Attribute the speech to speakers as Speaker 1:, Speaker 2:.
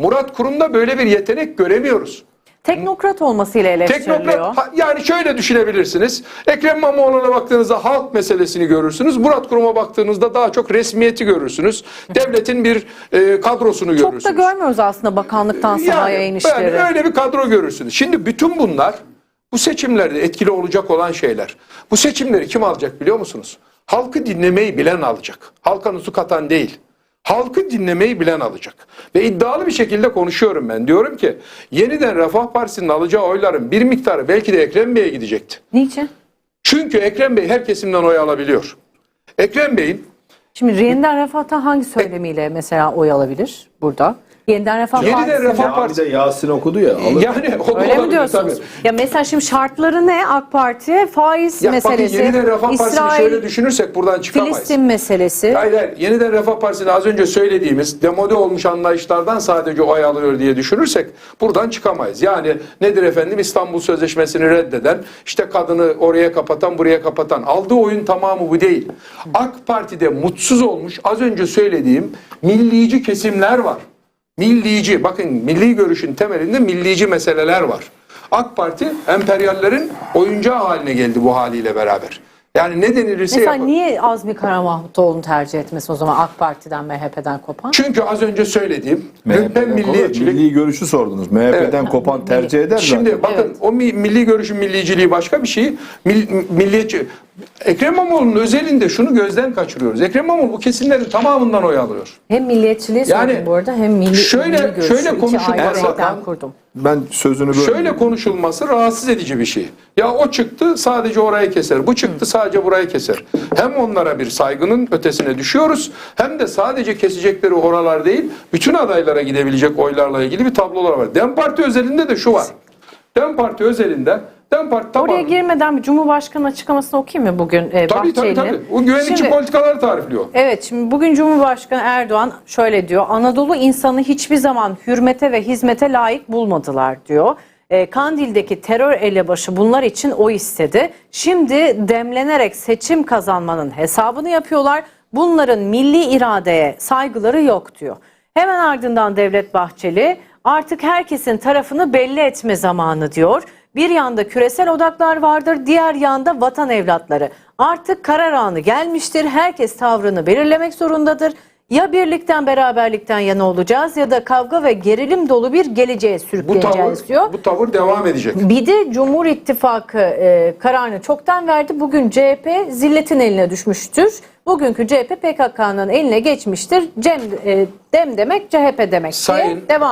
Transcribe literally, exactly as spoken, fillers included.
Speaker 1: Murat Kurum'da böyle bir yetenek göremiyoruz.
Speaker 2: Teknokrat olmasıyla eleştiriliyor.
Speaker 1: Teknokrat, yani şöyle düşünebilirsiniz. Ekrem İmamoğlu'na baktığınızda halk meselesini görürsünüz. Murat Kurum'a baktığınızda daha çok resmiyeti görürsünüz. Devletin bir e, kadrosunu
Speaker 2: Çok
Speaker 1: görürsünüz.
Speaker 2: da görmüyoruz aslında bakanlıktan sahaya
Speaker 1: yani,
Speaker 2: inişleri.
Speaker 1: Yani öyle bir kadro görürsünüz. Şimdi bütün bunlar bu seçimlerde etkili olacak olan şeyler. Bu seçimleri kim alacak biliyor musunuz? Halkı dinlemeyi bilen alacak. Halka nutuk atan değil. Halkı dinlemeyi bilen alacak. Ve iddialı bir şekilde konuşuyorum ben. Diyorum ki yeniden Refah Partisi'nin alacağı oyların bir miktarı belki de Ekrem Bey'e gidecekti.
Speaker 2: Niçin?
Speaker 1: Çünkü Ekrem Bey her kesimden oy alabiliyor. Ekrem Bey'in
Speaker 2: Şimdi yeniden Refah'tan hangi söylemiyle mesela oy alabilir burada? Yeniden Refah
Speaker 1: Yeniden
Speaker 2: Partisi.
Speaker 1: Refah
Speaker 3: Cami
Speaker 1: Partisi
Speaker 3: de Yasin okudu ya. Alır.
Speaker 1: yani o da
Speaker 2: Öyle mi
Speaker 1: olabilir
Speaker 2: diyorsunuz?
Speaker 1: tabii.
Speaker 2: Ya mesela şimdi şartları ne AK Parti? Faiz
Speaker 1: Ya
Speaker 2: meselesi,
Speaker 1: bakın yeniden Refah Partisi'ni
Speaker 2: İsrail,
Speaker 1: şöyle düşünürsek buradan çıkamayız.
Speaker 2: Filistin meselesi.
Speaker 1: Hayır, hayır. Yeniden Refah Partisi'nin az önce söylediğimiz demode olmuş anlayışlardan sadece oy alıyor diye düşünürsek buradan çıkamayız. Yani nedir efendim, İstanbul Sözleşmesi'ni reddeden, işte kadını oraya kapatan, buraya kapatan, aldığı oyun tamamı bu değil. AK Parti'de mutsuz olmuş az önce söylediğim millici kesimler var. Millici, bakın milli görüşün temelinde millici meseleler var. AK Parti emperyallerin oyuncağı haline geldi bu haliyle beraber. Yani ne denilirse
Speaker 2: Mesela
Speaker 1: yapın.
Speaker 2: niye Azmi Kara Mahmutoğlu'nu tercih etmesi o zaman AK Parti'den, M H P'den kopan?
Speaker 1: Çünkü az önce söylediğim
Speaker 3: M H P'den
Speaker 1: lümpen milliyetçilik.
Speaker 3: milli görüşü sordunuz. M H P'den
Speaker 1: Evet.
Speaker 3: kopan tercih eder
Speaker 1: Şimdi
Speaker 3: zaten.
Speaker 1: bakın
Speaker 2: Evet.
Speaker 1: o mi- milli görüşün milliciliği başka bir şey. Mil, milliyetçi. Ekrem İmamoğlu'nun özelinde şunu gözden kaçırıyoruz. Ekrem İmamoğlu bu kesimlerin tamamından oy alıyor.
Speaker 2: Hem milliyetçiliği
Speaker 1: Yani
Speaker 2: sordum bu arada hem milli,
Speaker 1: şöyle-
Speaker 2: milli görüşü.
Speaker 1: şöyle
Speaker 2: İki
Speaker 1: konuşulmaz
Speaker 2: ayrı
Speaker 1: zaten.
Speaker 2: renklem kurdum.
Speaker 3: Ben sözünü böyle
Speaker 1: Şöyle konuşulması rahatsız edici bir şey. Ya o çıktı sadece orayı keser. Bu çıktı sadece burayı keser. Hem onlara bir saygının ötesine düşüyoruz. Hem de sadece kesecekleri oralar değil, bütün adaylara gidebilecek oylarla ilgili bir tablolar var. Dem Parti özelinde de şu var. Dem Parti özelinde Dem Parti tamam.
Speaker 2: Oraya girmeden bir Cumhurbaşkanı açıklamasını okuyayım mı bugün e,
Speaker 1: Tabii tabii
Speaker 2: Bahçeli'nin?
Speaker 1: tabii. O güvenlikçi
Speaker 2: Şimdi-
Speaker 1: politikaları tarifliyor.
Speaker 2: Evet, şimdi bugün Cumhurbaşkanı Erdoğan şöyle diyor. Anadolu insanı hiçbir zaman hürmete ve hizmete layık bulmadılar diyor. E, Kandil'deki terör elebaşı bunlar için oy istedi. Şimdi demlenerek seçim kazanmanın hesabını yapıyorlar. Bunların milli iradeye saygıları yok diyor. Hemen ardından Devlet Bahçeli artık herkesin tarafını belli etme zamanı diyor. Bir yanda küresel odaklar vardır, diğer yanda vatan evlatları. Artık karar anı gelmiştir. Herkes tavrını belirlemek zorundadır. Ya birlikten, beraberlikten yana olacağız ya da kavga ve gerilim dolu bir geleceğe
Speaker 1: Bu
Speaker 2: sürükleyeceğiz
Speaker 1: tavır,
Speaker 2: diyor.
Speaker 1: bu tavır devam edecek.
Speaker 2: Bir de Cumhur İttifakı e, kararını çoktan verdi. Bugün C H P zilletin eline düşmüştür. Bugünkü C H P P K K'nın eline geçmiştir. Cem, e, dem demek C H P demek diye
Speaker 1: Sayın-
Speaker 2: devam